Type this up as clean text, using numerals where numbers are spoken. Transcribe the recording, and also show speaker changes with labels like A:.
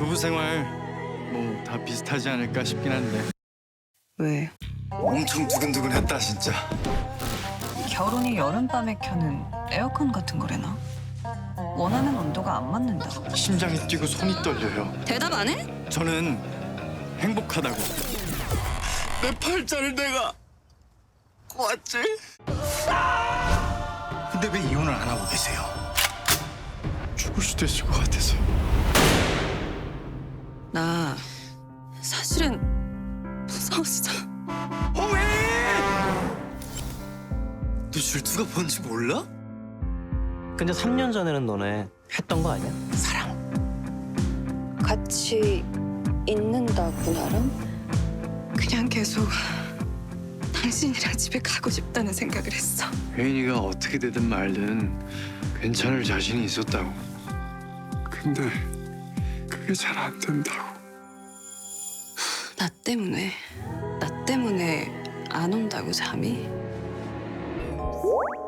A: 부부 생활 뭐 다 비슷하지 않을까 싶긴 한데
B: 왜?
A: 엄청 두근두근했다 진짜.
B: 결혼이 여름밤에 켜는 에어컨 같은 거래나? 원하는 온도가 안 맞는다.
A: 심장이 뛰고 손이 떨려요.
B: 대답 안 해?
A: 저는 행복하다고. 내 팔자를 내가 꼬았지? 근데 왜 이혼을 안 하고 계세요? 죽을 수도 있을 것 같아서.
B: 나 사실은 무서웠어.
A: 왜? 너 줄투가 뭔지 몰라?
C: 근데 3년 전에는 너네 했던 거 아니야?
B: 같이 있는다고 나랑? 그냥 계속 당신이랑 집에 가고 싶다는 생각을 했어.
A: 혜인이가 어떻게 되든 말든 괜찮을 자신이 있었다고. 근데 그게 잘 안 된다고.
B: 나 때문에 안 온다고 잠이?